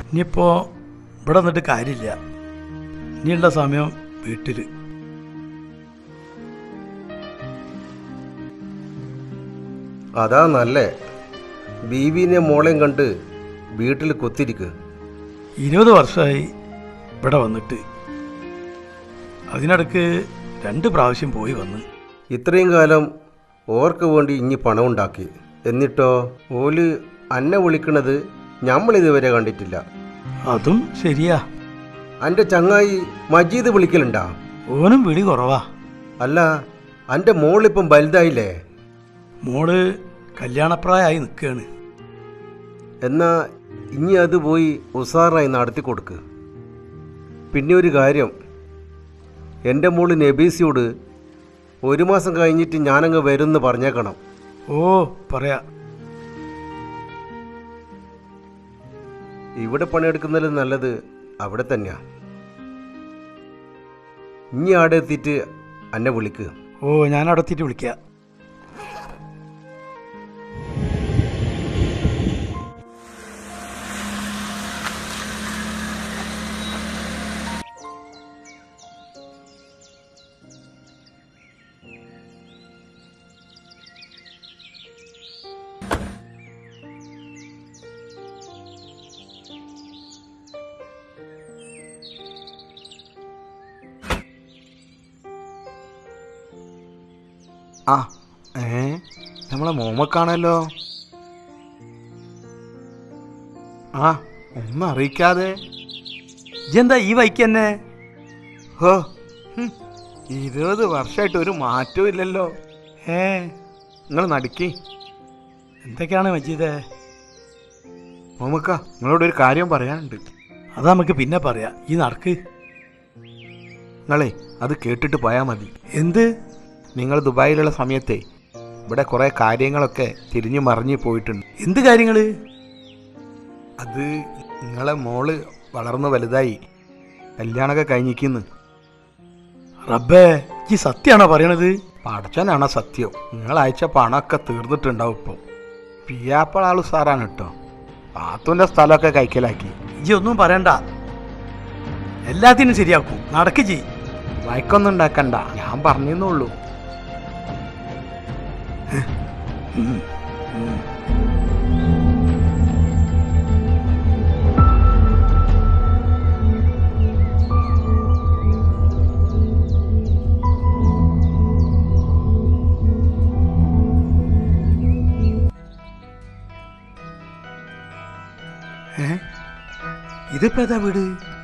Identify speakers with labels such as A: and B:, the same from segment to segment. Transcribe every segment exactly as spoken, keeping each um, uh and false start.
A: ഇനിയിപ്പോൾ ഇവിടെ നിന്നിട്ട് കാര്യമില്ല. ഇനിയുള്ള സമയം വീട്ടിൽ.
B: അതാ നല്ലേ. ബീവിനെ മോളെയും കണ്ട് വീട്ടിൽ കൊത്തിരിക്കുക.
A: ഇരുപത് വർഷമായി ഇവിടെ വന്നിട്ട്. അതിനിടക്ക് രണ്ട് പ്രാവശ്യം പോയി വന്ന്.
B: ഇത്രയും കാലം ഓർക്ക് വേണ്ടി ഇനി പണം ഉണ്ടാക്കി. എന്നിട്ടോ ഓല് അന്നെ വിളിക്കണത് ഞമ്മളിതുവരെ കണ്ടിട്ടില്ല.
A: അതും ശരിയാ.
B: എൻ്റെ ചങ്ങായി മജീദ് വിളിക്കലുണ്ടാ?
A: ഓനും വിളി കുറവാ.
B: അല്ല, എൻ്റെ മോളിപ്പം വലുതായില്ലേ?
A: മോള് കല്യാണപ്രായമായി നിൽക്കുകയാണ്.
B: എന്നാ ഇനി അത് പോയി ഉസാറായി നടത്തി കൊടുക്ക്. പിന്നെ ഒരു കാര്യം, എൻ്റെ മോള് നബീസിയോട് ഒരു മാസം കഴിഞ്ഞിട്ട് ഞാനങ്ങ് വരുമെന്ന് പറഞ്ഞേക്കണം.
A: ഓ പറയാ.
B: ഇവിടെ പണിയെടുക്കുന്നതിൽ നല്ലത് അവിടെ തന്നെയാ. ഇനി ആടെ എത്തിയിട്ട് എന്നെ വിളിക്കുക.
A: ഓ ഞാൻ അവിടെ എത്തിയിട്ട് വിളിക്കാം.
C: ആ ഏ നമ്മളെ മോമക്കാണല്ലോ. ആ ഒന്നും അറിയിക്കാതെ
A: ഇതെന്താ ഈ വൈക്ക് തന്നെ?
C: ഹോ, ഇരുപത് വർഷമായിട്ട് ഒരു മാറ്റവും ഇല്ലല്ലോ.
A: ഏ
C: നിങ്ങൾ നടുക്കി.
A: എന്തൊക്കെയാണ് മജീദേ?
C: മോമക്ക, നിങ്ങളോട് ഒരു കാര്യം പറയാനുണ്ട്.
A: അത് നമുക്ക് പിന്നെ പറയാം. ഈ നടക്ക്.
C: നിങ്ങളെ അത് കേട്ടിട്ട് പോയാൽ മതി.
A: എന്ത്?
C: നിങ്ങൾ ദുബായിലുള്ള സമയത്തെ ഇവിടെ കുറേ കാര്യങ്ങളൊക്കെ തിരിഞ്ഞു മറിഞ്ഞു പോയിട്ടുണ്ട്.
A: എന്ത് കാര്യങ്ങൾ?
C: അത് നിങ്ങളെ മോള് വളർന്ന് വലുതായി കല്യാണമൊക്കെ കഴിഞ്ഞിരിക്കുന്നു.
A: റബ്ബേ, ഈ സത്യമാണോ പറയണത്?
C: പടച്ചനാണോ സത്യം. നിങ്ങൾ അയച്ച പണമൊക്കെ തീർന്നിട്ടുണ്ടാവും. ഇപ്പോൾ പിയാപ്പള ആള് സാറാണ് കേട്ടോ. പാത്തുൻ്റെ സ്ഥലമൊക്കെ കൈക്കലാക്കി.
A: ഇജി ഒന്നും പറയണ്ട, എല്ലാത്തിനും ശരിയാക്കും. നടക്ക് ജി.
C: വഴക്കൊന്നും ഉണ്ടാക്കണ്ട, ഞാൻ പറഞ്ഞെന്നുള്ളൂ.
A: ഇതിപ്പോ ഏതാ വീട്?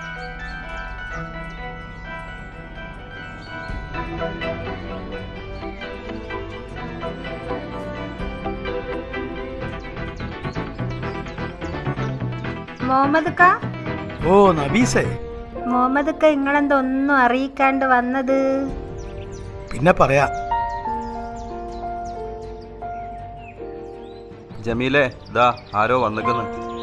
D: മുഹമ്മദ് ക
A: ഓ നബീസേ.
D: മുഹമ്മദ് ക നിങ്ങളെന്തൊന്നും അറിയിക്കാണ്ട് വന്നത്?
A: പിന്നെ പറയാ.
E: ജമീലേ, ദാ ആരോ വന്നിക്കുന്നു.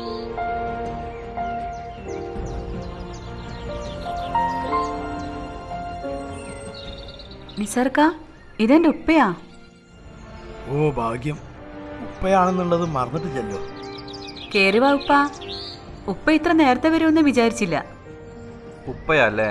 F: നിസാർക്ക, ഇതെന്റെ ഉപ്പയാ.
A: ഓ ഭാഗ്യം. ഉപ്പയാണെന്നുള്ളത് മറന്നിട്ടില്ലല്ലോ.
F: കേറി വാ ഉപ്പ. ഉപ്പ ഇത്ര നേരത്തെ വരുമെന്ന് വിചാരിച്ചില്ല.
E: ഉപ്പയല്ലേ?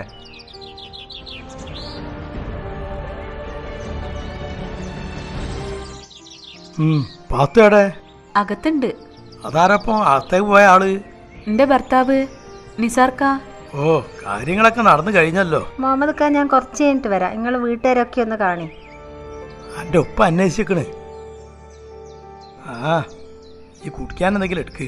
A: പാത്തയുടെ
F: അകത്തുണ്ട്.
A: അതാരപ്പം അകത്തേക്ക് പോയ ആള്?
F: എന്റെ ഭർത്താവ് നിസാർക്ക.
A: ഓ, കാര്യങ്ങളൊക്കെ നടന്നു കഴിഞ്ഞല്ലോ.
D: മുഹമ്മദ് ക ഞാൻ കുറച്ച് കഴിഞ്ഞിട്ട് വരാം. നിങ്ങൾ വീട്ടുകാരൊക്കെ ഒന്ന് കാണി.
A: എൻ്റെ ഉപ്പ അന്വേഷിക്കണ്. ആ, ഈ കുടിക്കാൻ എന്തെങ്കിലും എടുക്ക്.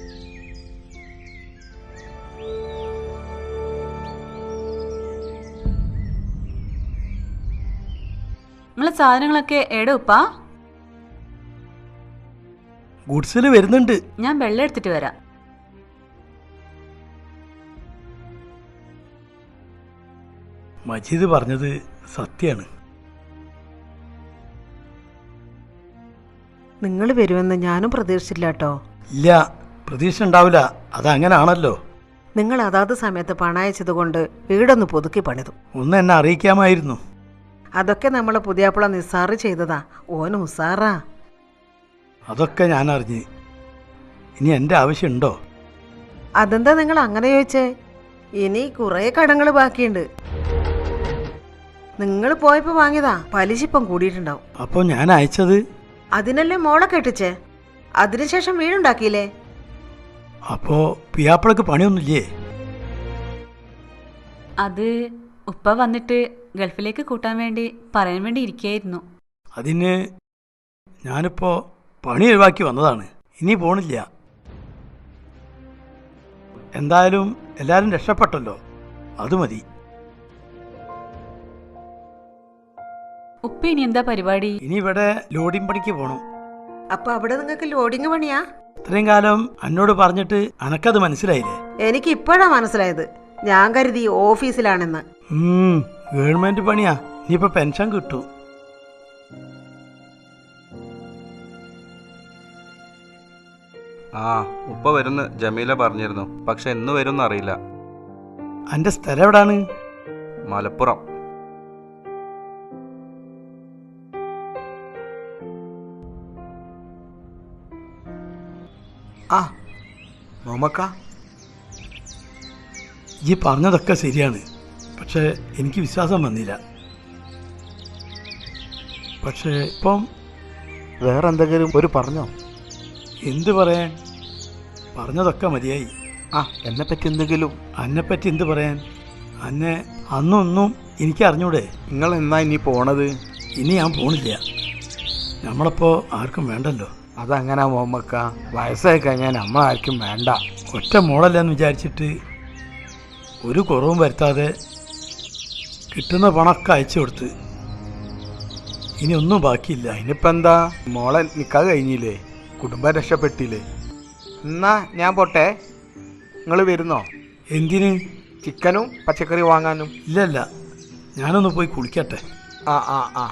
F: നിങ്ങളെ സാധനങ്ങളൊക്കെ എവിടെ ഉപ്പ?
A: ഗുഡ്സിൽ വരുന്നുണ്ട്.
F: ഞാൻ വെള്ളം എടുത്തിട്ട് വരാം.
A: മജീദ് പറഞ്ഞത് സത്യാണ്.
G: നിങ്ങൾ വരുമെന്ന് ഞാനും പ്രതീക്ഷിച്ചില്ല കേട്ടോ.
A: ഇല്ല, പ്രതീക്ഷ ഉണ്ടാവില്ല. അതങ്ങനാണല്ലോ.
G: നിങ്ങൾ അതാത് സമയത്ത് പണം അയച്ചത് കൊണ്ട് വീടൊന്ന് പുതുക്കി പണിതു.
A: ഒന്ന് എന്നെ അറിയിക്കാമായിരുന്നു.
G: അതൊക്കെ നമ്മളെ പുതിയാപ്പിള നിസാറ് ചെയ്തതാ. ഓന് ഉസാറാ.
A: അതൊക്കെ ഞാൻ അറിഞ്ഞ്. ഇനി എൻ്റെ ആവശ്യമുണ്ടോ?
G: അതെന്താ നിങ്ങൾ അങ്ങനെ ചോദിച്ചേ? ഇനി കുറേ കടങ്ങൾ ബാക്കിയുണ്ട്. നിങ്ങൾ പോയപ്പോ വാങ്ങിയതാ, പലിശ ഇപ്പം കൂടിയിട്ടുണ്ടാവും.
A: അപ്പോൾ ഞാൻ അയച്ചത്?
G: അതിനല്ലേ മോളെ കെട്ടിച്ചേ. അതിനുശേഷം വീടുണ്ടാക്കിയില്ലേ?
A: അപ്പോൾ പിയാപ്പിളക്ക് പണിയൊന്നുമില്ലേ?
F: അത് ഉപ്പ വന്നിട്ട് ഗൾഫിലേക്ക് കൂട്ടാൻ വേണ്ടി പറയാൻ വേണ്ടി ഇരിക്കുകയായിരുന്നു.
A: അതിന് ഞാനിപ്പോൾ പണി ഒഴിവാക്കി വന്നതാണ്. ഇനി പോണില്ല. എന്തായാലും എല്ലാവരും രക്ഷപ്പെട്ടല്ലോ, അത് മതി.
F: ഉപ്പ ഇനി എന്താ പരിപാടി?
A: ഇനി ഇവിടെ ലോഡിംഗ് പണിക്ക് പോകണം.
G: അപ്പൊ അവിടെ നിങ്ങൾക്ക് ലോഡിങ് പണിയാ?
A: ഇത്രയും കാലം എന്നോട് പറഞ്ഞിട്ട് അനക്കത് മനസ്സിലായില്ലേ?
G: എനിക്ക് ഇപ്പോഴാ മനസ്സിലായത്. ഞാൻ കരുതി ഓഫീസിലാണെന്ന്.
A: ഉം, ഗവൺമെന്റ് പണിയാ. ഇനിയിപ്പോൾ പെൻഷൻ കിട്ടും.
E: ആ ഉപ്പ വരുന്ന് ജമീല പറഞ്ഞിരുന്നു. പക്ഷെ എന്ന് വരും അറിയില്ല.
A: എൻ്റെ സ്ഥലം എവിടാണ്?
E: മലപ്പുറം.
C: ആ മോമക്ക,
A: ഈ പറഞ്ഞതൊക്കെ ശരിയാണ്. പക്ഷേ എനിക്ക് വിശ്വാസം വന്നില്ല. പക്ഷേ ഇപ്പം
C: വേറെ എന്തെങ്കിലും ഒരു പറഞ്ഞോ?
A: എന്ത് പറയാൻ? പറഞ്ഞതൊക്കെ മതിയായി.
C: ആ എന്നെപ്പറ്റി എന്തെങ്കിലും?
A: അന്നെപ്പറ്റി എന്ത് പറയാൻ? അന്നെ അന്നൊന്നും എനിക്ക് അറിഞ്ഞൂടെ?
C: നിങ്ങൾ എന്നാ ഇനി പോണത്?
A: ഇനി ഞാൻ പോണില്ല. നമ്മളപ്പോൾ ആർക്കും വേണ്ടല്ലോ.
C: അതങ്ങനെ മോമക്ക, വയസ്സായി കഴിഞ്ഞാൽ നമ്മൾ ആർക്കും വേണ്ട.
A: ഒറ്റ മോളല്ലെന്ന് വിചാരിച്ചിട്ട് ഒരു കുറവും വരുത്താതെ കിട്ടുന്ന പണമൊക്കെ അയച്ചു കൊടുത്ത് ഇനി ഒന്നും ബാക്കിയില്ല.
C: അതിനിപ്പോൾ എന്താ, മോളെ നിൽക്കാതെ കഴിഞ്ഞില്ലേ, കുടുംബം രക്ഷപ്പെട്ടില്ലേ? എന്നാ ഞാൻ പോട്ടെ. നിങ്ങൾ വരുന്നോ?
A: എന്തിന്?
C: ചിക്കനും പച്ചക്കറി വാങ്ങാനും.
A: ഇല്ലല്ല, ഞാനൊന്ന് പോയി കുളിക്കട്ടെ.
C: ആ ആ ആ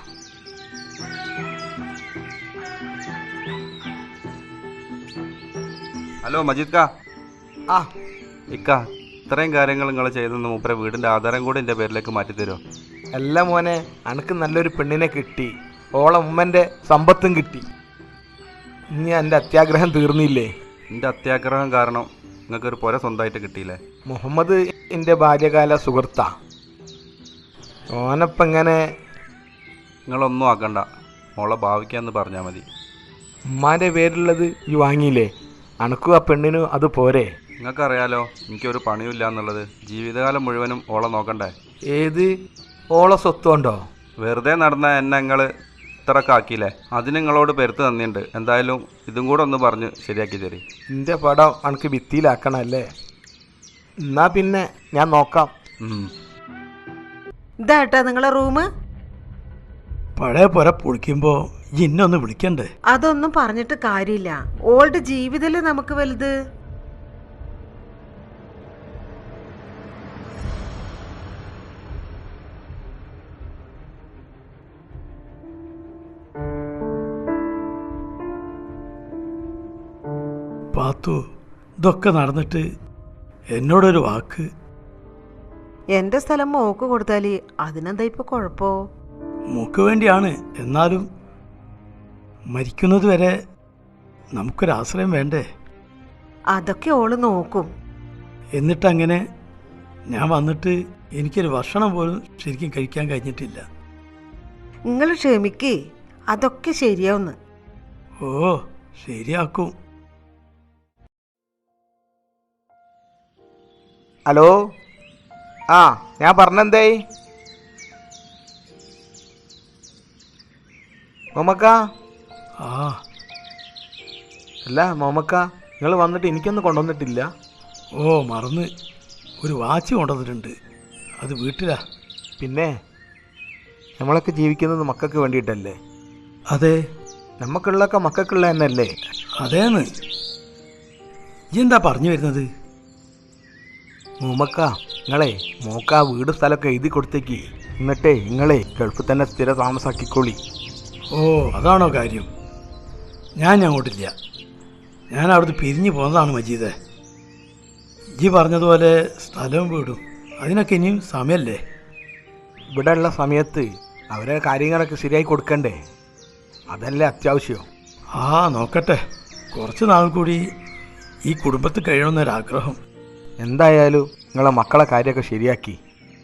E: ഹലോ മജീദ് കാ.
C: ആ
E: ഇക്ക, ഇത്രയും കാര്യങ്ങൾ നിങ്ങൾ ചെയ്തെന്ന് മൂപ്പരെ വീടിൻ്റെ ആധാരം കൂടി എൻ്റെ പേരിലേക്ക് മാറ്റിത്തരുമോ?
C: അല്ല മോനെ, അനക്ക് നല്ലൊരു പെണ്ണിനെ കിട്ടി, ഓളെ ഉമ്മൻ്റെ സമ്പത്തും കിട്ടി. ഇനി എൻ്റെ അത്യാഗ്രഹം തീർന്നില്ലേ?
E: എൻ്റെ അത്യാഗ്രഹം കാരണം നിങ്ങൾക്കൊരു പുര സ്വന്തമായിട്ട് കിട്ടിയില്ലേ?
C: മുഹമ്മദ് എൻ്റെ ബാല്യകാല സുഹൃത്താ. ഓനപ്പം ഇങ്ങനെ
E: നിങ്ങളൊന്നും ആക്കണ്ട, മോളെ ഭാവിക്കാന്ന് പറഞ്ഞാൽ മതി.
C: ഉമ്മാൻ്റെ പേരുള്ളത് ഈ വാങ്ങിയില്ലേ, അനക്കും ആ പെണ്ണിനും അത് പോരെ?
E: നിങ്ങൾക്കറിയാലോ എനിക്കൊരു പണിയില്ല എന്നുള്ളത്. ജീവിതകാലം മുഴുവനും ഓളെ നോക്കണ്ടേ?
C: ഏത് ഓളെ സ്വത്തുണ്ടോ?
E: വെറുതെ നടന്ന എന്നെ നിങ്ങൾ ഇത്രയൊക്കെ ആക്കിയില്ലേ, അതിന് നിങ്ങളോട് പെരുത്ത് തന്നിട്ടുണ്ട്. എന്തായാലും ഇതും കൂടെ ഒന്ന് പറഞ്ഞ് ശരിയാക്കി തരി.
C: എൻ്റെ പടം അനക്ക് ഭിത്തിയിലാക്കണല്ലേ? എന്നാ പിന്നെ ഞാൻ നോക്കാം.
G: ഇതാട്ടാ നിങ്ങളെ റൂം?
A: പഴയ പുര പൊളിക്കുമ്പോൾ ഇന്നൊന്ന് വിളിക്കണ്ടേ?
G: അതൊന്നും പറഞ്ഞിട്ട് കാര്യമില്ല. ഓൾഡ് ജീവിതല്ലേ നമുക്ക് വലുത്.
A: പാത്തു, ഇതൊക്കെ നടന്നിട്ട് എന്നോടൊരു വാക്ക്.
G: എന്റെ സ്ഥലം മോക്ക് കൊടുത്താല് അതിനെന്താ ഇപ്പൊ കുഴപ്പോ?
A: മൂക്ക് വേണ്ടിയാണ്. എന്നാലും മരിക്കുന്നത് വരെ നമുക്കൊരാശ്രയം വേണ്ടേ?
G: അതൊക്കെ ഓള് നോക്കും.
A: എന്നിട്ടങ്ങനെ ഞാൻ വന്നിട്ട് എനിക്കൊരു ഭക്ഷണം പോലും ശരിക്കും കഴിക്കാൻ കഴിഞ്ഞിട്ടില്ല.
G: നിങ്ങൾ ക്ഷമിക്കേ, അതൊക്കെ ശരിയാവുന്ന്.
A: ഓ, ശരിയാക്കും.
C: ഹലോ, ആ ഞാൻ പറഞ്ഞെന്തേ? മോമക്ക.
A: ആ
C: അല്ല മോമക്ക, നിങ്ങൾ വന്നിട്ട് എനിക്കൊന്നും കൊണ്ടുവന്നിട്ടില്ല.
A: ഓ, മറന്ന്. ഒരു വാച്ച് കൊണ്ടുവന്നിട്ടുണ്ട്, അത് വീട്ടിലാ.
C: പിന്നെ നമ്മളൊക്കെ ജീവിക്കുന്നത് മക്കൾക്ക് വേണ്ടിയിട്ടല്ലേ?
A: അതെ.
C: നമുക്കുള്ളതൊക്കെ മക്കൾക്കുള്ള തന്നെയല്ലേ?
A: അതേന്ന്. ഈ എന്താ പറഞ്ഞു വരുന്നത്?
C: മോമക്ക, നിങ്ങളെ മോക്ക വീട് സ്ഥലമൊക്കെ എഴുതി കൊടുത്തേക്ക്. എന്നിട്ടേ നിങ്ങളെ ഗൾഫിൽ തന്നെ സ്ഥിര താമസാക്കിക്കോളി.
A: ഓ, അതാണോ കാര്യം? ഞാൻ അങ്ങോട്ടില്ല. ഞാൻ അവിടുന്ന് പിരിഞ്ഞു പോകുന്നതാണ് മജീദേ. ഈ പറഞ്ഞതുപോലെ സ്ഥലവും വീടും അതിനൊക്കെ ഇനിയും സമയമല്ലേ?
C: ഇവിടെ ഉള്ള സമയത്ത് അവരെ കാര്യങ്ങളൊക്കെ ശരിയായി കൊടുക്കണ്ടേ? അതല്ലേ അത്യാവശ്യം.
A: ആ, നോക്കട്ടെ. കുറച്ച് നാൾ കൂടി ഈ കുടുംബത്തിൽ കഴിയണമെന്നൊരാഗ്രഹം.
C: എന്തായാലും നിങ്ങളെ മക്കളെ കാര്യമൊക്കെ ശരിയാക്കി.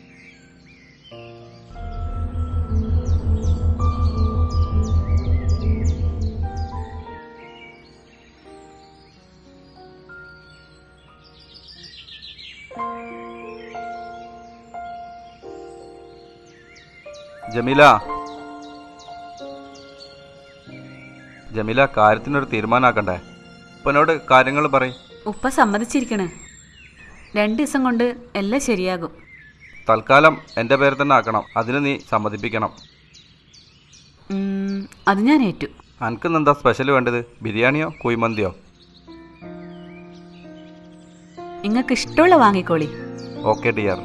E: ജമീല ജമീല കാര്യത്തിനൊരു തീരുമാനമാക്കണ്ടേ? ഉപ്പനോട് കാര്യങ്ങൾ പറയും.
F: ഉപ്പ സമ്മതിച്ചിരിക്കണ്. രണ്ട് ദിവസം കൊണ്ട് എല്ലാം ശരിയാകും.
E: തൽക്കാലം എൻ്റെ പേര് തന്നെ ആക്കണം. അതിന് നീ സമ്മതിപ്പിക്കണം.
F: ഉം, അത് ഞാൻ ഏറ്റു.
E: അനക്കിന്ന് എന്താ സ്പെഷ്യൽ വേണ്ടത്? ബിരിയാണിയോ കുഴിമന്തിയോ?
F: നിങ്ങൾക്ക് ഇഷ്ടമുള്ള വാങ്ങിക്കോളി.
E: Okay dear.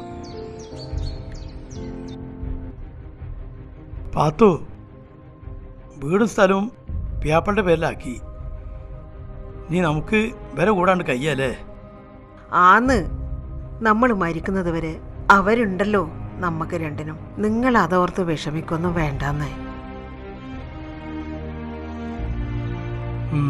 A: പാത്തു, വീടും സ്ഥലവും പിയാപ്പളുടെ പേരിലാക്കി. നീ നമുക്ക് വില കൂടാണ്ട് കയ്യല്ലേ?
G: ആന്ന്, നമ്മൾ മരിക്കുന്നത് വരെ അവരുണ്ടല്ലോ നമുക്ക് രണ്ടിനും. നിങ്ങൾ അതോർത്ത് വിഷമിക്കൊന്നും വേണ്ടാന്നേ.
A: ഉം.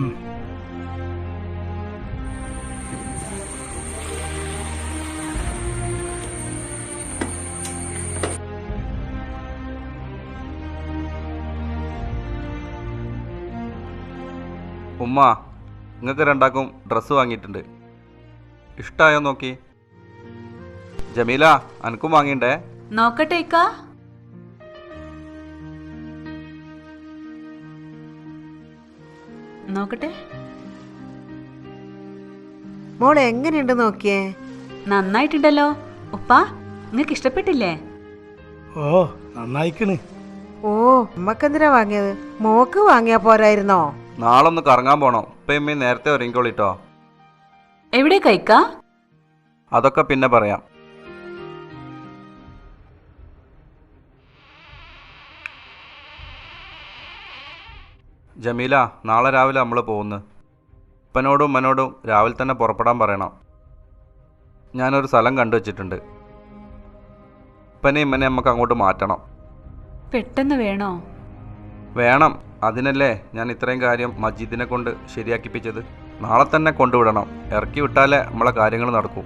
E: ഉമ്മ, നിങ്ങൾക്ക് രണ്ടാക്കും ഡ്രസ്സ് വാങ്ങിയിട്ടുണ്ട്. ഇഷ്ടമായോ നോക്കി? ജമീല, അനക്കും വാങ്ങിണ്ടേ?
F: നോക്കട്ടെ ഇക്കാ. നോക്കട്ടെ.
G: മോൾ എങ്ങനെയുണ്ട് നോക്കിയേ?
F: നന്നായിട്ടുണ്ടല്ലോ. ഉപ്പ, നിങ്ങൾക്ക് ഇഷ്ടപ്പെട്ടില്ലേ?
A: ഓ, നന്നായിക്കണ്.
G: ഓ, അമ്മക്കെന്തിനാ വാങ്ങിയത്? മോക്ക് വാങ്ങിയാ പോരായിരുന്നോ?
E: നാളെ ഒന്ന് കറങ്ങാൻ പോണോ? ഇപ്പം നേരത്തെ ഒരുങ്ങിക്കോളിട്ടോ.
F: എവിടെ കൈക്കാ?
E: അതൊക്കെ പിന്നെ പറയാം. ജമീല, നാളെ രാവിലെ നമ്മൾ പോകുന്നു. ഉപ്പനോടും ഉമ്മനോടും രാവിലെ തന്നെ പുറപ്പെടാൻ പറയണം. ഞാനൊരു സ്ഥലം കണ്ടു വച്ചിട്ടുണ്ട്. ഉപ്പനെ ഇമ്മനെ നമുക്ക് അങ്ങോട്ട് മാറ്റണം.
F: പെട്ടെന്ന് വേണോ?
E: വേണം. അതിനല്ലേ ഞാൻ ഇത്രയും കാര്യം മജീദിനെ കൊണ്ട് ശരിയാക്കിപ്പിച്ചത്. നാളെ തന്നെ കൊണ്ടുവിടണം. ഇറക്കി വിട്ടാലേ നമ്മളെ കാര്യങ്ങൾ നടക്കൂ.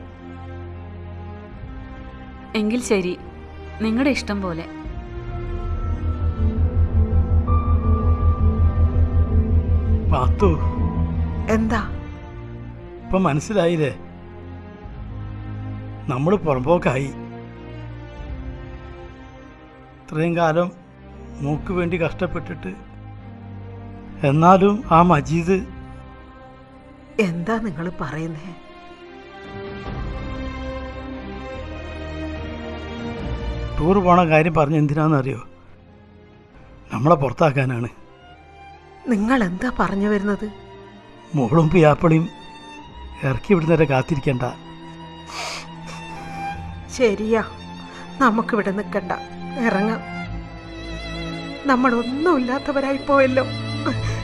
F: എങ്കിൽ ശരി, നിങ്ങളുടെ ഇഷ്ടം പോലെ.
A: പാത്തു,
G: എന്താ?
A: ഇപ്പൊ മനസ്സിലായില്ലേ? നമ്മൾ പുറമ്പോക്കായി. ഇത്രയും കാലം മൂക്ക് വേണ്ടി കഷ്ടപ്പെട്ടിട്ട്, എന്നാലും ആ മജീദ്.
G: എന്താ നിങ്ങൾ പറയുന്നേ?
A: ടൂർ പോണ കാര്യം പറഞ്ഞ് എന്തിനാണെന്നറിയോ? നമ്മളെ പുറത്താക്കാനാണ്.
G: നിങ്ങൾ എന്താ പറഞ്ഞു വരുന്നത്?
A: മോളും പിയാപ്പളിയും ഇറക്കി വിടുന്നവരെ കാത്തിരിക്കണ്ട.
G: ശരിയാ, നമുക്കിവിടെ നിൽക്കണ്ട, ഇറങ്ങാം. നമ്മളൊന്നുമില്ലാത്തവരായി പോയല്ലോ.